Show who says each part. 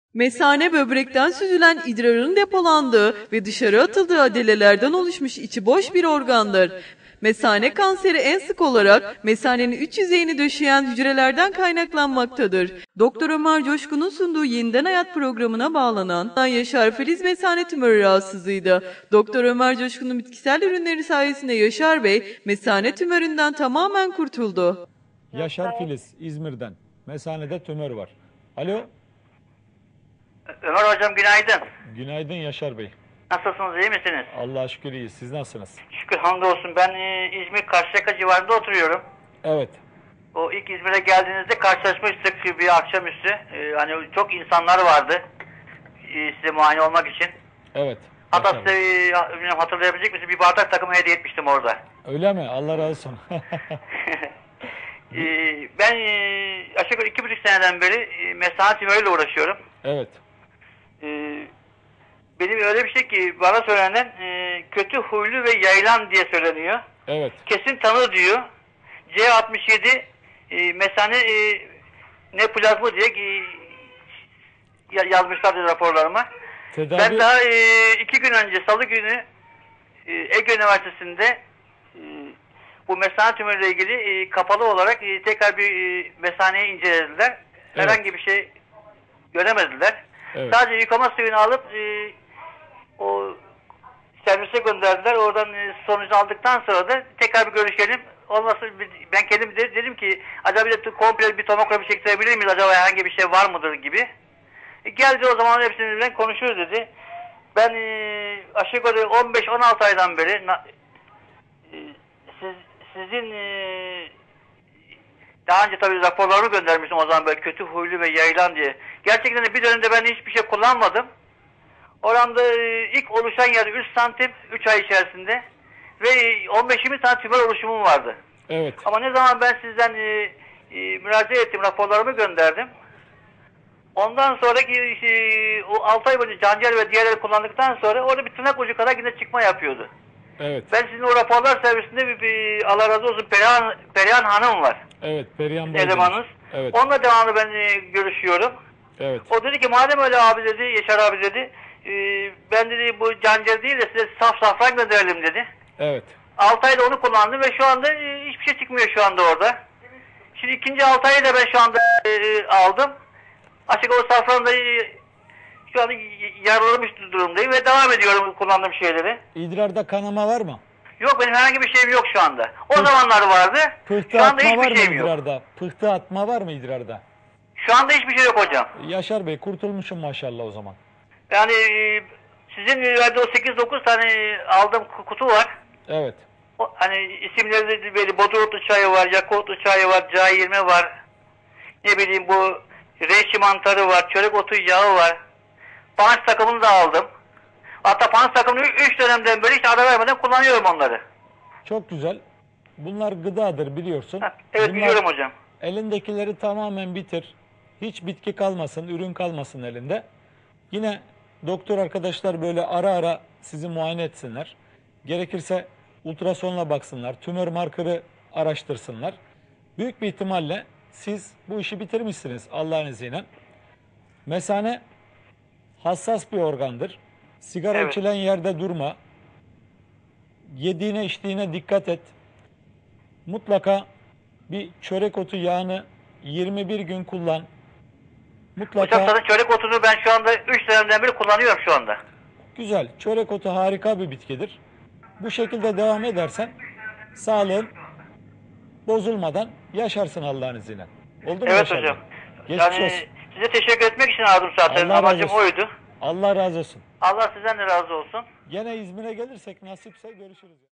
Speaker 1: Mesane böbrekten süzülen idrarın depolandığı ve dışarı atıldığı adelelerden oluşmuş içi boş bir organdır. Mesane kanseri en sık olarak mesanenin üç yüzeyini döşeyen hücrelerden kaynaklanmaktadır. Doktor Ömer Coşkun'un sunduğu Yeniden Hayat programına bağlanan Yaşar Filiz mesane tümörü rahatsızlığıydı. Doktor Ömer Coşkun'un bitkisel ürünleri sayesinde Yaşar Bey mesane tümöründen tamamen kurtuldu.
Speaker 2: Yaşar Filiz İzmir'den. Mesanede tümör var. Alo.
Speaker 3: Ömer hocam günaydın.
Speaker 2: Günaydın Yaşar Bey.
Speaker 3: Nasılsınız, iyi misiniz?
Speaker 2: Allah'a şükür iyiyiz. Siz nasılsınız?
Speaker 3: Şükür hamdolsun. Ben İzmir Karşıyaka civarında oturuyorum.
Speaker 2: Evet.
Speaker 3: O ilk İzmir'e geldiğinizde karşılaşmıştık bir akşamüstü. Hani çok insanlar vardı size muayene olmak için.
Speaker 2: Evet.
Speaker 3: Hatta size bilmiyorum, hatırlayabilecek misiniz? Bir bardak takımı hediye etmiştim orada.
Speaker 2: Öyle mi? Allah razı olsun.
Speaker 3: Ben aşağı yukarı 2,5 seneden beri mesane tümörüyle uğraşıyorum.
Speaker 2: Evet.
Speaker 3: Benim öyle bir şey ki bana söylenen kötü huylu ve yayılan diye söyleniyor.
Speaker 2: Evet.
Speaker 3: Kesin tanı diyor. C67 mesane neoplazma diye yazmışlardı raporlarıma.
Speaker 2: Tedavi...
Speaker 3: Ben daha 2 gün önce Salı günü Ege Üniversitesi'nde bu mesane tümörüyle ilgili kapalı olarak tekrar bir mesaneyi incelediler.
Speaker 2: Evet.
Speaker 3: Herhangi bir şey göremediler.
Speaker 2: Evet.
Speaker 3: Sadece yıkama suyunu alıp o servise gönderdiler. Oradan sonucu aldıktan sonra da tekrar bir görüşelim. Olmazsa ben kendim dedim ki acaba bir de komple bir tomografi çektirebilir miyiz? Acaba herhangi bir şey var mıdır gibi. Geldi o zaman hepsinden konuşuruz dedi. Ben aşağı yukarı 15-16 aydan beri sizin daha önce tabii raporlarımı göndermiştim o zaman böyle kötü huylu ve yayılan diye. Gerçekten de bir dönemde ben hiçbir şey kullanmadım. Oramda ilk oluşan yer 3 santim 3 ay içerisinde ve 15-20 tane tümör oluşumum vardı.
Speaker 2: Evet.
Speaker 3: Ama ne zaman ben sizden müracaat ettim, raporlarımı gönderdim. Ondan sonraki o 6 ay boyunca canciğer ve diğerleri kullandıktan sonra orada bir tırnak ucu kadar yine çıkma yapıyordu.
Speaker 2: Evet.
Speaker 3: Ben sizin o raporlar servisinde bir Allah razı olsun Perihan Hanım var.
Speaker 2: Evet. Perihan Bey.
Speaker 3: Elemanınız.
Speaker 2: Evet.
Speaker 3: Onunla devamlı ben görüşüyorum.
Speaker 2: Evet.
Speaker 3: O dedi ki madem öyle abi dedi, Yaşar abi dedi, ben dedi bu canciğer değil de size saf safran gönderelim dedi.
Speaker 2: Evet.
Speaker 3: 6 ayda onu kullandım ve şu anda hiçbir şey çıkmıyor şu anda orada. Şimdi ikinci 6 ayı da ben şu anda aldım. Açık o safran da şu anda yaralamış durumdayım ve devam ediyorum kullandığım şeyleri.
Speaker 2: İdrarda kanama var mı?
Speaker 3: Yok benim herhangi bir şeyim yok şu anda. O zamanlar vardı.
Speaker 2: Pıhtı
Speaker 3: Şu anda
Speaker 2: atma var
Speaker 3: hiçbir
Speaker 2: mı
Speaker 3: şeyim yok.
Speaker 2: idrarda? Pıhtı atma var mı idrarda?
Speaker 3: Şu anda hiçbir şey yok hocam.
Speaker 2: Yaşar Bey kurtulmuşum maşallah o zaman.
Speaker 3: Yani sizin verdiği o 8-9 tane aldığım kutu var.
Speaker 2: Evet.
Speaker 3: Hani isimleri de belli. Bodrumlu çayı var, Yakutlu çayı var, C20 var. Ne bileyim bu reishi mantarı var, çörek otu yağı var. Panç takımını da aldım. Hatta panç takımını 3 dönemden beri hiç ara vermeden kullanıyorum onları.
Speaker 2: Çok güzel. Bunlar gıdadır biliyorsun.
Speaker 3: Evet
Speaker 2: Bunlar,
Speaker 3: biliyorum hocam.
Speaker 2: elindekileri tamamen bitir. Hiç bitki kalmasın, ürün kalmasın elinde. Yine doktor arkadaşlar böyle ara ara sizi muayene etsinler. Gerekirse ultrasonla baksınlar, tümör markörü araştırsınlar. Büyük bir ihtimalle siz bu işi bitirmişsiniz Allah'ın izniyle. Mesane hassas bir organdır. Sigara
Speaker 3: Evet.
Speaker 2: içilen yerde durma. Yediğine içtiğine dikkat et. Mutlaka bir çörek otu yağını 21 gün kullan. Mutlaka.
Speaker 3: Hocam zaten çörek otunu ben şu anda 3 dönemden beri kullanıyorum şu anda.
Speaker 2: Güzel. Çörek otu harika bir bitkidir. Bu şekilde devam edersen sağlığın bozulmadan yaşarsın Allah'ın izniyle. Oldu mu?
Speaker 3: Evet hocam.
Speaker 2: Geçmiş
Speaker 3: Yani
Speaker 2: olsun.
Speaker 3: size teşekkür etmek için aradım zaten.
Speaker 2: Allah razı
Speaker 3: Amacım
Speaker 2: olsun.
Speaker 3: oydu.
Speaker 2: Allah razı olsun.
Speaker 3: Allah sizden de razı olsun.
Speaker 2: Gene İzmir'e gelirsek nasipse görüşürüz.